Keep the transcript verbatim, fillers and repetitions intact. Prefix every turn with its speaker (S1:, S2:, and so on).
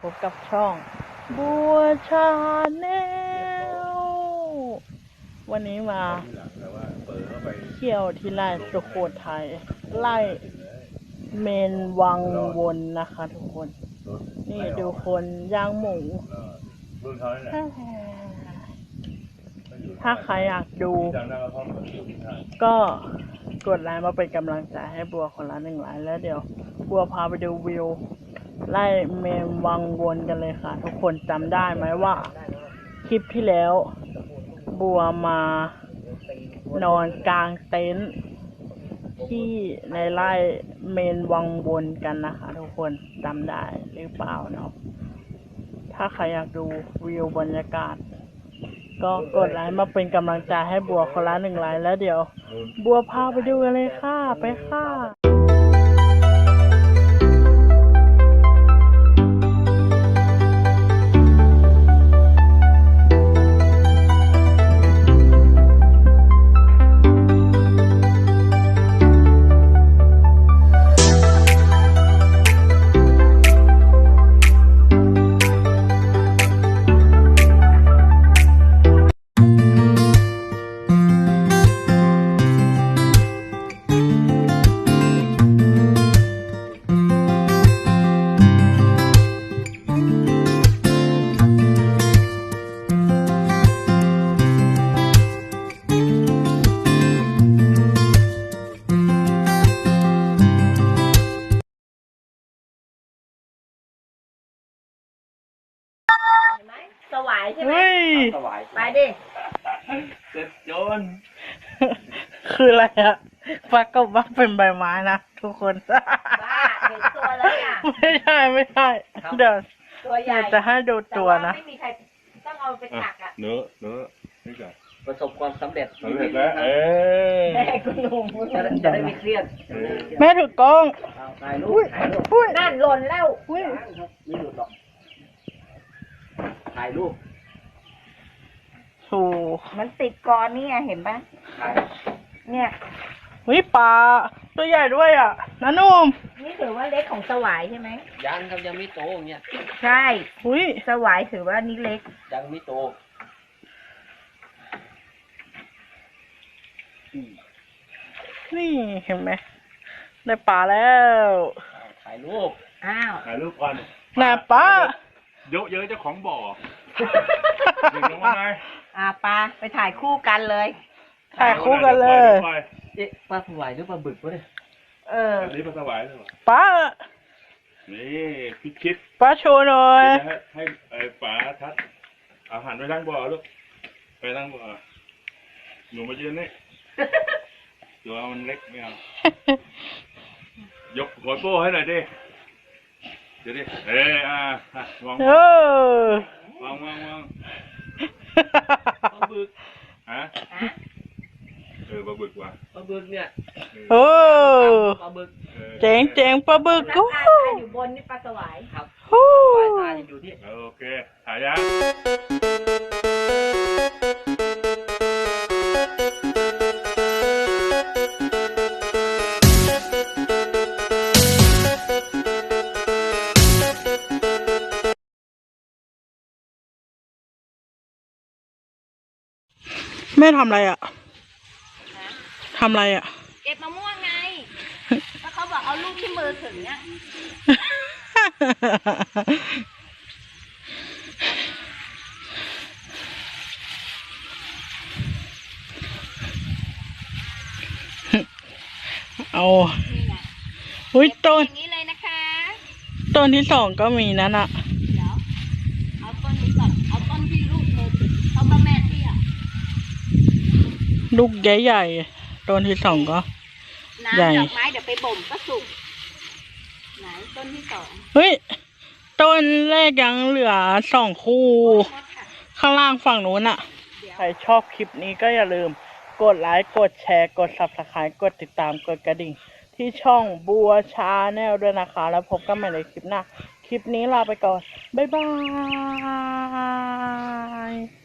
S1: พบกับช่องบัวชาแนลวันนี้มาเที่ยวที่ไร่สุโขทัยไร่เมนวังวนนะคะทุกคนนี่ดูคนย่างหมูถ้าใครอยากดูก็กดไลค์มาเป็นกำลังใจให้บัวคนละหนึ่งไลค์แล้วเดี๋ยวบัวพาไปดูวิวไล่เมนวังวนกันเลยค่ะทุกคนจำได้ไหมว่าคลิปที่แล้วบัวมานอนกลางเต็นท์ที่ในไร่เมนวังวนกันนะคะทุกคนจำได้หรือเปล่าเนาะถ้าใครอยากดูวิวบรรยากาศก็กดไลค์มาเป็นกำลังใจให้บัวคนละหนึ่งไลค์แล้วเดี๋ยวบัวพาไปดูกันเลยค่ะไปค่ะ
S2: สวายใช่ไหมไปดิ
S3: เจ็บโจน
S1: คืออะไรอะปลากระบักเป็นใบไม้นะทุกคนบ้า
S2: เห็นตัวแล้วเนี่ย
S1: ไม่ใช่ไม่ใช่เดี๋ยว
S2: ตัวใหญ่
S1: จะให้ดูตัวนะ
S2: ไม่มีใครต้องเอาไปตักอ่ะ
S3: เนื้อเนื้อนี่ก่อน
S4: ประสบความสำเร็จ
S3: สำเร็จแล้วเอ้ย
S2: แม่คุณลุง
S4: จะได้จะได้ไม่เครียด
S1: แม่ถือกล้อง
S4: เอาถ่ายรูปถ่ายรูป
S1: อุ้ย
S2: นั่นหล่นแล้ว
S1: อุ้ย
S4: ไม่หลุดหรอกถ่ายรูป
S1: โอ้
S2: มันติดกรนี่ไงเห็นปะ
S4: ถ่าย
S2: เนี่ย
S1: วิปลาตัวใหญ่ด้วยอ่ะน้านุ่ม
S2: นี่ถือว่าเล็กของสวายใช่ไหม
S4: ยังครับยังไม่โตอย่างเงี้ย
S2: ใช่
S1: อุ้ย
S2: สวายถือว่านี่เล็ก
S4: ยังไม่โตอืม
S1: นี่เห็นไหมได้ปลาแล้ว
S4: เอาถ่ายรูป
S2: อ้าว
S3: ถ่ายรูปก่อน
S1: น่าปลา
S3: เยอะเยอะเจ้าของบ่อเด็กลงมาไง
S2: อ่าปลาไปถ่ายคู่กันเลย
S1: ถ่ายคู่กันเลย
S3: ปล่อ
S4: เอ๊ะปลาสวายหรือปลาบึกวะเนี่ย
S2: เออ
S3: อันนี้ปลาสวายเลยวะ
S1: ปลา
S3: นี่พิชิต
S1: ปลาโชว์หน่อย
S3: ให้ให้ไอ้ป๋าทัดเอาหันไปทางบ่อลูกไปทางบ่อหนูมายืนนี่ตัวมันเล็กไม่เอายกหัวโป้ให้หน่อยดิเดี๋ยวดิเอ้ยอ่ะวาง
S1: เออ
S3: วางวางวาง
S4: ปลาบึก
S3: ฮะ
S2: ฮะ
S3: เออปลาบึกว่ะ
S4: ปลาบึกเนี่ย
S1: โอ้
S4: ปลาบึก
S3: ออ
S1: เจ๋งเจ๋งปลาบึก
S2: แล้ว
S1: โอ้
S2: ปลา
S1: โห
S2: ตายอยู่บนนี่ปลาสวาย
S4: ครับ
S1: โอ้
S4: สวายตาจะอยู่ที่
S3: โอเคถ่ายยัง
S1: แม่ทำอะไรอ่ะทำอะไรอ่ะ
S2: เก็บมะม่วงไงแล้วเขาบอกเอาลูกที่มือถึงเนี่ย
S1: เอา
S2: นี่ไง
S1: อุ้ยต้น
S2: อย่างนี้เลยนะคะ
S1: ต้นที่สองก็มีนั่นอ่ะ
S2: เดี๋ยวเอาต้นนี้ก่อนเอาต้นที่ลูกมือถึงเขาก็แม่เตี้ย
S1: ลูกใหญ่ๆต้นที่สองก็
S2: น้ำ
S1: ใหญ่
S2: ดอกไม้เดี๋ยวไปบ่มก็สุกไหนต้นที่สอง
S1: เฮ้ยต้นแรกยังเหลือสองคู่
S2: โทษค่ะ
S1: ข้างล่างฝั่งนู้นอ่ะ
S2: เดี๋ยว
S1: ใครชอบคลิปนี้ก็อย่าลืมกดไลค์กดแชร์กด ซับสไครบ์ กดติดตามกดกระดิ่ง ที่ช่องบัวชาแนลด้วยนะคะ แล้วพบกันใหม่ในคลิปหน้า คลิปนี้ลาไปก่อน บ๊ายบาย